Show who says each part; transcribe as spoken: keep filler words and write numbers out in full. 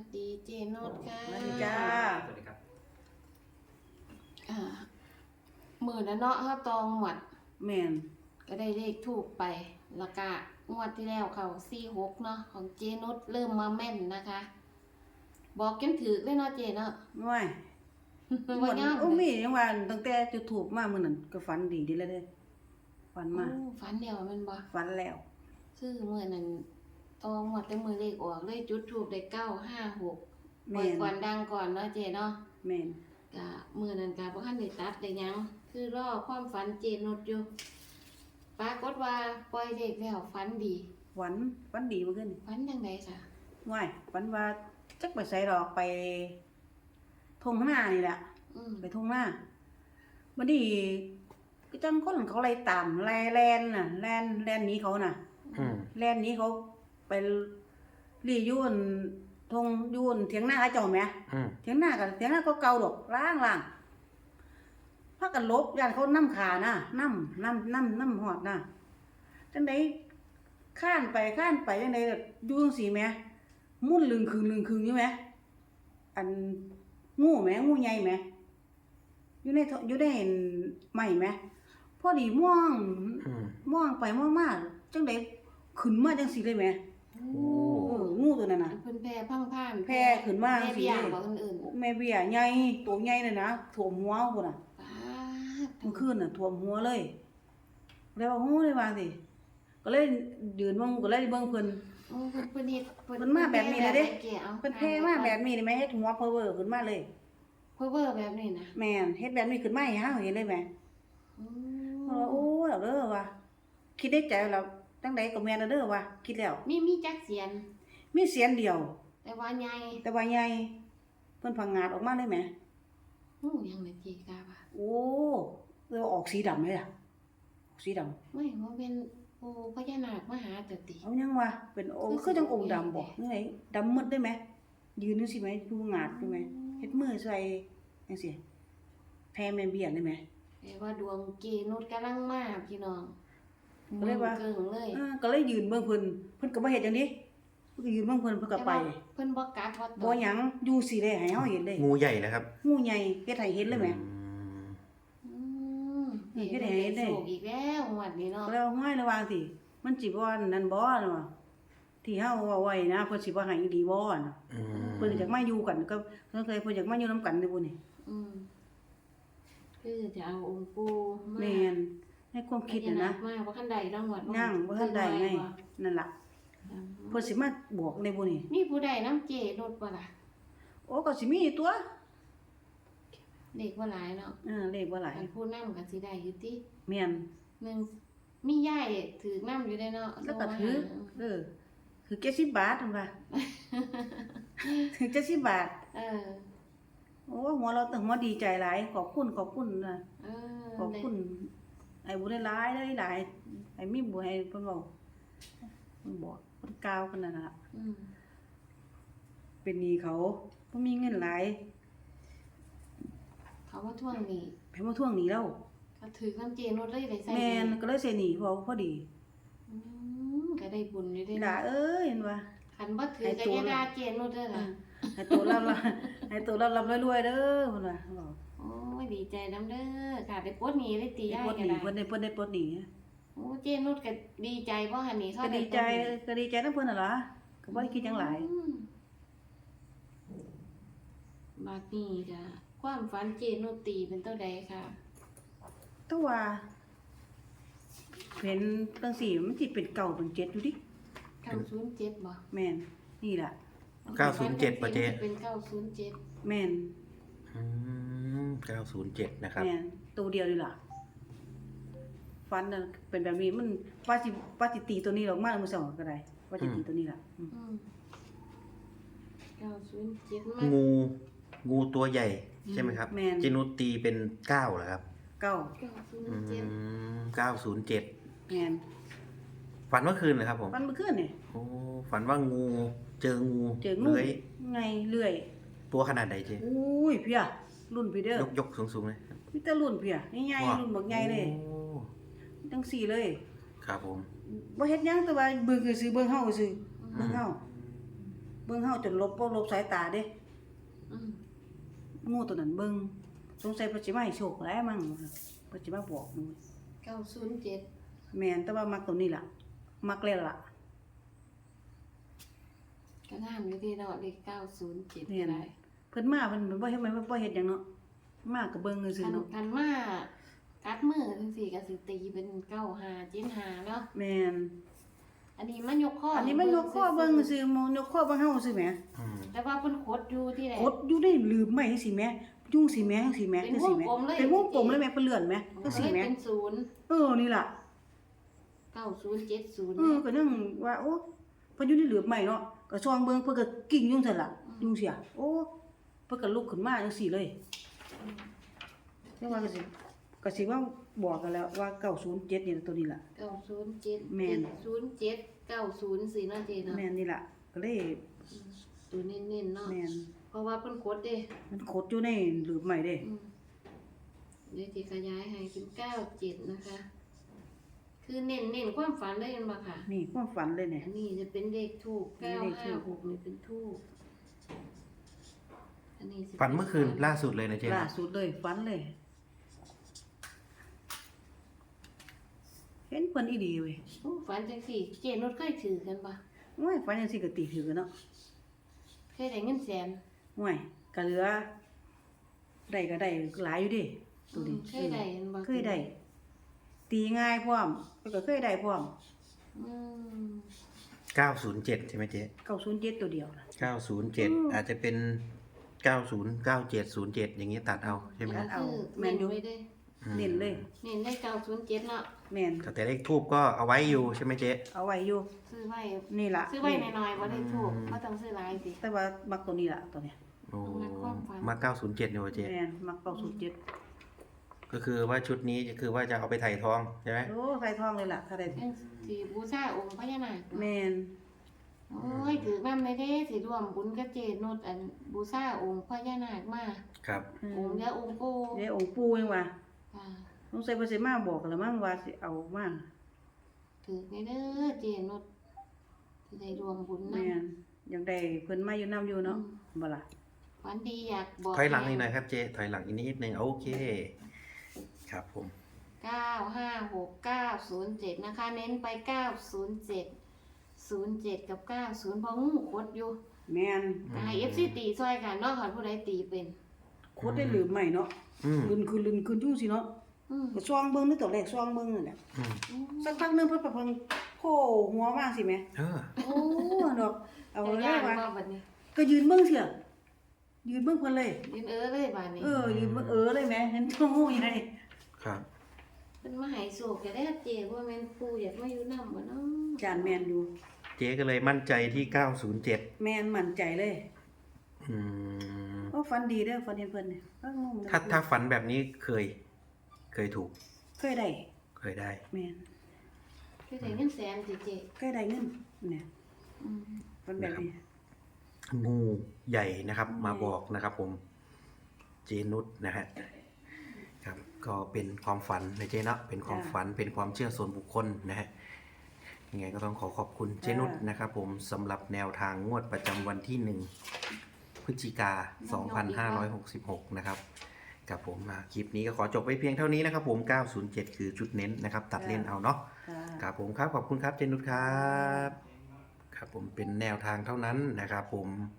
Speaker 1: ดีเจโนดค่ะ
Speaker 2: สวัสดีจ้า
Speaker 3: สวัสดีครับ
Speaker 1: อ่ามือนะเนาะเฮาตองหมด
Speaker 2: แม่น
Speaker 1: ก็ได้เลขถูกไปแล้วก็งวดที่แล้วเขาสี่หกเนาะของเจนุชเริ่มมาแม่นนะคะ บอกจนถือเลยเนาะเจเนาะ
Speaker 2: ว้าย
Speaker 1: ว่าย่อม
Speaker 2: โอ้มีจังว่าตั้งแต่จุดถูกมามื้อนั้นก็ฝันดีดีเลยเด้ฝันมา
Speaker 1: โอ้ฝันเดียวแมันบ่
Speaker 2: ฝันแล้ว
Speaker 1: คือมื้อนั้นตองหมดแต่มือเลขออกเลยจุดถูกได้เก้าห้าหกป
Speaker 2: แม่
Speaker 1: ล่อย
Speaker 2: น
Speaker 1: ก่อนดังก่อนเนาะเจเนาะ
Speaker 2: แม่น
Speaker 1: ก็มื้อนั้นก็บ่ทันได้ตัดได้หยังคือรอความฝันเจนุชอยู่ปรากฏว่าปล่อยเลขแล้วฝันดี
Speaker 2: ฝันฝันดีเมื่อคืน
Speaker 1: ฝันจังไดค่ะ
Speaker 2: ว้ายฝันว่าจักไปไสดอกไปทุ่งนานี่แหละ
Speaker 1: อืม
Speaker 2: ไปทุ่งนาบัดนี้ก็จังคนเขาไล่ตามไล่แล่นน่ะแล่นแล่นหนีเขาน่ะ
Speaker 3: อืม
Speaker 2: แล่นหนี้เขาไปรียุ่นทงยุ่นเถียงหน้าเขาเจ้าแหม
Speaker 3: อืม
Speaker 2: เถียงหน้ากันเถียงหน้าก็เก่าดอกล้างล่างพากันลบย่านเขานำขานะนำนำนำนำหอดนะจังได๋ข้านไปข้านไปจังได๋อยู่จังซี่แหมมุ่นลึงคึงลึงคึงอยู่แหมอันงูแหมงูใหญ่แหมอยู่ในอยู่ในไม้แหมพอดีม่วง
Speaker 3: อืม
Speaker 2: ม่วงไปม่วงมาจังได๋ขึ้นมาจังซี่เลยแหม
Speaker 1: โอ้
Speaker 2: เอองูตัวนั้นน่ะ
Speaker 1: เพิ่นแพร่พังพ่าน
Speaker 2: แพร่ขึ้นมา
Speaker 1: แม่
Speaker 2: สิ
Speaker 1: เบี้ยบ่คนอื่น
Speaker 2: แม่เบี้ยใหญ่ตัวใหญ่เลยนะท่วมหัวพุ่นน่ะ
Speaker 1: ป้าด
Speaker 2: เมื่อคืนน่ะท่วมหัวเลยเลยว่าโอ้เลยว่าสิก็เลยยืนเบิ่งก็เลยเบิ่งเพิ่น
Speaker 1: โอ้เพิ่นเพิ่นเฮ็ด
Speaker 2: เพิ่นมาแบบนี้เลยเด้
Speaker 1: แก่อา
Speaker 2: เพิ่นแพ้มาแบบนี้ได้ไหมเฮ็ดหัวเพอเวอร์ขึ้นมาเลย
Speaker 1: เพิ่นเวอร์แบบนี้นะ
Speaker 2: แม่นเฮ็ดแบบนี้ขึ้นมาให้เฮาเห็นเลยแหม
Speaker 1: อื
Speaker 2: เพราะว่าโอ้ยเอาเด้อว่าคิดในใจแล้วจังไดก็แม่นเอาเด้อว่าคิดแล้ว
Speaker 1: มีมีจักเสียน
Speaker 2: มีเสียงเดียว
Speaker 1: แต่ว่าใหญ่
Speaker 2: แต่ว่าใหญ่เพิ่นพังงาดออกมาเลยแหม
Speaker 1: ฮู้ยังเลยจีกาว่า
Speaker 2: โอ้เออออกสีดำเลยล่ะออกสีดำ
Speaker 1: ไม่ว่าเป็นโอ้พญานาคมาหาเตติ
Speaker 2: เอายังวะเป็นโอ้คือจังองค์ดำบ่ยังไงดำหมดได้ไหมยืนจังซี่ไหมดูงาดได้ไหมเฮ็ดมือใส่จังซี่แพ้แม่เบี้ยได้ไหม
Speaker 1: แต่ว่าดวงเกนุดกำลังมาพี่น้อง
Speaker 2: ก็เลยว่า
Speaker 1: เกิ่งเลย
Speaker 2: เออก็เลยยืนเบิ่งเพิ่นเพิ่นก็บ่เฮ็ดจังนี้เพิ่นก็ยืนเบิ่งเพิ่นเพิ่นก็ไป
Speaker 1: แต่ว่าเพิ่นบ่กัดว่า
Speaker 2: บ่หยังอยู่สิได้ให้เฮาเห็นเลย
Speaker 3: งูใหญ่นะครับ
Speaker 2: งูใหญ่เฮ็ดให้เห็นเลยแหม
Speaker 3: อืม
Speaker 1: อืม
Speaker 2: นี่เฮ็ดให้เห็นได้
Speaker 1: โศกอีกแล้วงวดนี้เนาะ
Speaker 2: ก็เลยว่าห้อยระวังสิมันสิบ่นั่นบ่เนาะที่เฮาเว้าไว้นะเพิ่นสิบ่ให้อีหลีบ่เนาะ
Speaker 3: อืม
Speaker 2: เพิ่นอยากมาอยู่กันก็เพิ่นเคยเพิ่นอยากมาอยู่นํกันเด้อบ่นี่
Speaker 1: อืมคือจะเอาองค์ปู่มา
Speaker 2: แม่นในความคิดน่ะนะ
Speaker 1: มาบ่คันใดรางวัล
Speaker 2: นั่งบ่ทันได้ไงนั่นล่ะเพิ่นสิมาบอกในบ่นี่
Speaker 1: มีผู้ใดน้ำเจนุดบ่ล่ะ
Speaker 2: โอ้ก็สิมีตัว
Speaker 1: เด็กบ่หลายเนาะ
Speaker 2: เออเลขบ่หลาย
Speaker 1: อันผู้นำก็สิได้อยู่ติ
Speaker 2: แม่น
Speaker 1: หนึ่งมียายถือนำอยู่ได้เนาะ
Speaker 2: แล้วก็ถือเออคือเจ็ดสิบบาทนั่นว่า ถือเจ็ดสิบบาท
Speaker 1: เออ
Speaker 2: โอ้หัวเราตึงหัวดีใจหลายขอบคุณขอบคุณนะ
Speaker 1: เออ
Speaker 2: ขอบคุณไอ้บุญหลายได้หลายไอ้มีบุญให้เพิ่นบอกเพิ่นบอกเพิ่นกล่าวกันนั่นล่ะ
Speaker 1: อืม
Speaker 2: เป็นหนี้เขาบ่มีเงินหลาย
Speaker 1: เขาว่าท่วงนี่
Speaker 2: ไปมาทวงหนี้แล้ว
Speaker 1: ก็ถือน้ำเจนุดเลยได้ใส่
Speaker 2: แม่นก็เลยเสียหนี้พอพอดี
Speaker 1: อืมก็ได้บุญอยู่ได้
Speaker 2: ด่าเอ้ยเห็นว่า
Speaker 1: คันบ่ถือก็อย่าด่าเจนุดเด้อล่ะ
Speaker 2: ให้ตัวรับรับให้ตัวรับรับรวยๆเด้อเพิ่นว่าบอก
Speaker 1: โอ้ยดีใจนํเด้อค่ะได้ปลดหนี้ได้ตี
Speaker 2: ได้
Speaker 1: ยาย
Speaker 2: ปลดห
Speaker 1: ก็
Speaker 2: นี้
Speaker 1: ได้
Speaker 2: เพิ่นได้เพิ่นได้ปลดหนี้
Speaker 1: โอ้เจนุดก็ดีใจบ่หั่นนี่เขา
Speaker 2: ก็
Speaker 1: ได้
Speaker 2: ดีใจก็ดีใจนำเพิ่นน่ะล่ะก็บ่ได้คิดหยังหลาย
Speaker 1: อืมบัดนี้ก็ความฝันเจนุดตีเป็นเท่าใดค่ะ
Speaker 2: แต่ว่าเห็นจังซี่มันสิเป็นเก่าเป็นเจ็ดอยู่ดิ
Speaker 1: เก้าศูนย์เจ็ดบ่
Speaker 2: แม่นนี่ล่ะ
Speaker 3: เก้าศูนย์เจ็ดป่ะเจ๊
Speaker 1: เป็นเก้าศูนย์เจ็ด
Speaker 2: แม่น
Speaker 3: อืมเก้าศูนย์เจ็ดนะครับ
Speaker 2: แม่นตัวเดียวนี่ล่ะฟันน่ะเป็นแบบนี้มันว่าสิว่าสิตีตัวนี้ออกมามื้อเช้าก็ได้ว่าสิตีตัวนี้ล่ะอืม
Speaker 1: อืมเก้าศูนย์เจ็ดมา
Speaker 3: งู งูตัวใหญ่ ใช่ไหมครับ
Speaker 2: แม่น
Speaker 3: เจนุสตีเป็นเก้าเหรอครับ
Speaker 2: เก้า
Speaker 1: เก้าศูน
Speaker 3: อื
Speaker 1: ย์เจ็ด
Speaker 3: มเก้าศูนย์เจ็ด
Speaker 2: แม่น
Speaker 3: ฝันเมื่อคืนเหรอครับผม
Speaker 2: ฟันเมื่อคืนนี่
Speaker 3: โอ้ฝันว่างู เจองู
Speaker 2: เจองู
Speaker 3: เลื้อย
Speaker 2: ไงเลื่อย
Speaker 3: ตัวขนาดไหนเจ๊
Speaker 2: อุ้ยเพียรุ่นพี่เด้อย
Speaker 3: กยกสูงสูงๆเลย
Speaker 2: มีแต่รุ่นเพียใหญ่ๆรุ่นบักใหญ่เลย
Speaker 3: โอ้
Speaker 2: จังซี่เลย
Speaker 3: ครับผม
Speaker 2: บ่เฮ็ดหยังแต่ว่าเบิ่งคือซื้อเบิ่งเฮาซื่อเบิ่งเฮาเบิ่งเฮาจนลบบ่ลบสายตาเด้
Speaker 1: อืม
Speaker 2: งูตัวนั้นเบิ่งสงสัยเพิ่นสิมาให้โชคหลายมั่งเพิ่นสิมาบอกหนู
Speaker 1: เก้าศูนย์เจ็ด
Speaker 2: แม่นแต่ว่ามักตัวนี้ล่ะมักแล้วล่ะ
Speaker 1: ก็งามอยู่ดีเนาะเลขเก้าศูนย์เจ็ด
Speaker 2: แม่น
Speaker 1: ได้
Speaker 2: เพิ่นมาเพิ่นบ่เฮ็ดมันบ่เฮ็ดหยังเนาะมาก็เบิ่งซื่อ
Speaker 1: คัน
Speaker 2: ๆเนาะ
Speaker 1: คันมากัดมือจังซี่ก็สิตีเป็นเก้าห้าเจ็ดห้าเนาะ
Speaker 2: แม่น
Speaker 1: อันนี้มันยกข้อ
Speaker 2: อั
Speaker 1: อั
Speaker 2: นนี้มันยกข้อเบิ่งซื่อๆมองยกข้อเบิ่งเฮาซื่อแหม
Speaker 3: อืม
Speaker 1: แต่ว่าเพิ่นขดอยู่ที่ไหน
Speaker 2: กดอยู่ในหลืมไม้จังซี่แหมยุ่งสิแหมจังซี่แหม
Speaker 1: เป็น
Speaker 2: จังซี่แหม
Speaker 1: วงกลมเลย
Speaker 2: เป็นวงกลมเลยแหมเพิ่นเลื่อนแหมจังซี่แหม
Speaker 1: เป็นศูนย์
Speaker 2: เออนี่ล่ะ
Speaker 1: เก้าศูนย์เจ็ดศูนย์
Speaker 2: เออก็ยังว่าโอ้เพิ่นอยู่ในหลืมไม้เนาะก็ซองเบิ่งเพิ่นก็กิ่งอยู่ซั่นล่ะยุ่งเสียโอ้เพิ่นก็ลุกขึ้นมาจังซี่เลยแต่ว่าก็สิก็สิว่าบอกกันแล้วว่าเก้าศูนย์เจ็ดนี่ตัวนี้ล่ะ
Speaker 1: เก้าศูนย์เจ็ด
Speaker 2: แม่น
Speaker 1: ศูนย์เจ็ดเก้าศูนย์สี่นาทีเนาะ
Speaker 2: แม่นนี่ล่ะก็เลย
Speaker 1: ตัวเน้นๆเนาะ
Speaker 2: แม่น
Speaker 1: เพราะว่าเพิ่นขดเด้
Speaker 2: มันขดอยู่ในหลืมไม้เด้
Speaker 1: อืมเดี๋ยวสิขยายให้เป็นเก้าเจ็ดนะคะ คือเน้นเน้นความฝันได้ยันบ่ค่ะ
Speaker 2: นี่ความฝันเลยเนี่ย
Speaker 1: อันนี้จะเป็นเลขทูบ
Speaker 2: เป็น
Speaker 1: เก้า
Speaker 2: เลขธู
Speaker 1: ห้า
Speaker 2: ป
Speaker 1: หกนี่เป็นทูบอันนี้สิ
Speaker 3: ฝันเมื่อคืนล่าสุดเลยนะเจ๊
Speaker 2: ล่าสุดเลยฝันเลย เห็นเพิ่นอีดีเว้ย
Speaker 1: โอ้ฝันจังสี่ เจนุชเคยถือกันปะ
Speaker 2: โอ้ยฝันจังซี่ก็ตีถือกันเนาะ
Speaker 1: เคยได้เงินแสน
Speaker 2: โอ้ยก็เหลือได้ก็ได้หลายอยู่ดิตัวนี้
Speaker 1: อืมเคยได้เห็นบ่
Speaker 2: เคยได้ ตีง่ายพร้อมแล้วก็เคยได้พร้อม
Speaker 1: อืม
Speaker 3: เก้าศูนย์เจ็ดใช่ไหมเจ๊
Speaker 2: เก้าศูนย์เจ็ดตัวเดียวนะ
Speaker 3: เก้าศูนย์เจ็ด
Speaker 2: อืม
Speaker 3: อาจจะเป็นเก้าศูนย์เก้าเจ็ดศูนย์เจ็ดอย่างนี้ตัดเอาใช่ไหม
Speaker 2: ตัดเอา
Speaker 1: คือ
Speaker 2: แม่นอยู่
Speaker 1: เน้นไว้เด้
Speaker 3: อืม
Speaker 2: เน้นเลย
Speaker 1: เน้นได้เก้าศูนย์เจ็ดเนาะ
Speaker 2: แม่น
Speaker 3: แต่เลขทูบก็เอาไว้อยู่ใช่ไหมเจ๊
Speaker 2: เอาไว้อยู่
Speaker 1: ซื้อไว้
Speaker 2: นี่ล่ะ
Speaker 1: ซื้อไว้หน่อยๆบ่ได้ถูกบ่ต้องซื้อหลายสิ
Speaker 2: แต่ว่ามักตัวนี้ล่ะตัวเนี้ย
Speaker 3: โอ้
Speaker 1: มักความฝัน
Speaker 3: มาเก้าศูนย์เจ็ดนี่วะเจ๊
Speaker 2: แม่นมักเก้าศูนย์เจ็ด
Speaker 3: ก็คือว่าชุดนี้คือว่าจะเอาไปถ่ายทองใช่ไหม
Speaker 2: โอ้ใส่ทองเลยล่ะถ้าได้
Speaker 1: เป็นสิบูชาองค์พญานาค
Speaker 2: แม่น
Speaker 1: โอ้ยถือนำได้เด้สิร่วมบุญกับเจนุชอันบูชาองค์พญานาคมา
Speaker 3: ครับ
Speaker 1: องค์เดียวองค์ปู่
Speaker 2: เดี๋ยวองค์ปู่ยังว่า
Speaker 1: ค่ะ
Speaker 2: สงสัยเพิ่นสิมาบอกกันแล้วมั้งว่าสิเอามา
Speaker 1: ถือในเด้อเจนุชสิได้รวมบุญนำ
Speaker 2: แม่นอยากได้เพิ่นมาอยู่นํอยู่เนาะบ่ล่ะ
Speaker 1: ฝันดีอยากบอก
Speaker 3: ถอยหลังนิดหน่อยครับเจ๊ถอยหลังอีกนิดนึงโอเค ครับผม
Speaker 1: เก้าห้าหกเก้าศูนย์เจ็ดนะคะ เน้นไปเก้าศูนย์เจ็ดศูนย์เจ็ดกับเก้าศูนย์เพราะงูคดอยู่
Speaker 2: แม่น
Speaker 1: ก็ให้ เอฟ ซี ตีซอยกันเนาะค่ะผู้ใดตีเป็น
Speaker 2: โคตรได้ลืมใหม่เนาะ
Speaker 3: อืม
Speaker 2: ลืนคือลืนคือจุ่งสิเนาะ
Speaker 1: อืม
Speaker 2: ก็ซองเบิ่งนึกตัวแรกซองเบิ่งนั่นแหละ
Speaker 3: อืม
Speaker 2: สักพักหนึงเพิ่นก็เพิ่นโผล่หัวมาสิแม่
Speaker 3: เออ
Speaker 2: โอ้ดอกเอา
Speaker 1: จะ
Speaker 2: เลย
Speaker 1: ย่าง
Speaker 2: ว่า
Speaker 1: ว่าบัดนี้
Speaker 2: ก็ยืนเบิ่งเสียยืนเบิ่งเพิ่นเลย
Speaker 1: ยืนเออเลยบัดนี้
Speaker 2: เออยืนเบิ่งเออเลยแม่เห็นโอ้ยได้
Speaker 3: ครับ
Speaker 1: เป็นมาให้โศกจะได้เจว่าแม่นปู่อยากมาอยู่นำบ่เนาะ
Speaker 2: จานแม่นอยู่
Speaker 3: เจ๊ก็เลยมั่นใจที่เก้าศูนย์เจ็ด
Speaker 2: แม่นมั่นใจเลย
Speaker 3: อืม
Speaker 2: โอ้ฟันดีเด้อฟันเห็นเพิ่นเนี่ยฟังงงเลย
Speaker 3: ถ้าถ้าฝันแบบนี้เคย เคยถูก
Speaker 2: เคยได้
Speaker 3: เคยได้
Speaker 2: แม่น
Speaker 1: คือได้เงินแสนสิเจ
Speaker 2: เคยได้เงินเนี่ย
Speaker 1: อืม
Speaker 2: ฟันแบบนี้
Speaker 3: งูใหญ่นะครับ มาบอกนะครับ ผม เจนุชนะฮะครับ ก็เป็นความฝันนะเจเนาะเป็นความฝันเป็นความเชื่อส่วนบุคคลนะฮะยังไงก็ต้องขอขอบคุณเจนุชนะครับ ผมสำหรับแนวทางงวดประจำวันที่หนึ่งพฤศจิกาสองพันห้าร้อยหกสิบหกนะครับกับผมอ่ะคลิปนี้ก็ขอจบไว้เพียงเท่านี้นะครับ ผมเก้าศูนย์เจ็ดคือจุดเน้นนะครับ ตัดเล่นเอาเนาะ
Speaker 2: ค่ะ
Speaker 3: ครับผมครับขอบคุณครับเจนุชครับครับผมเป็นแนวทางเท่านั้นนะครับ ผม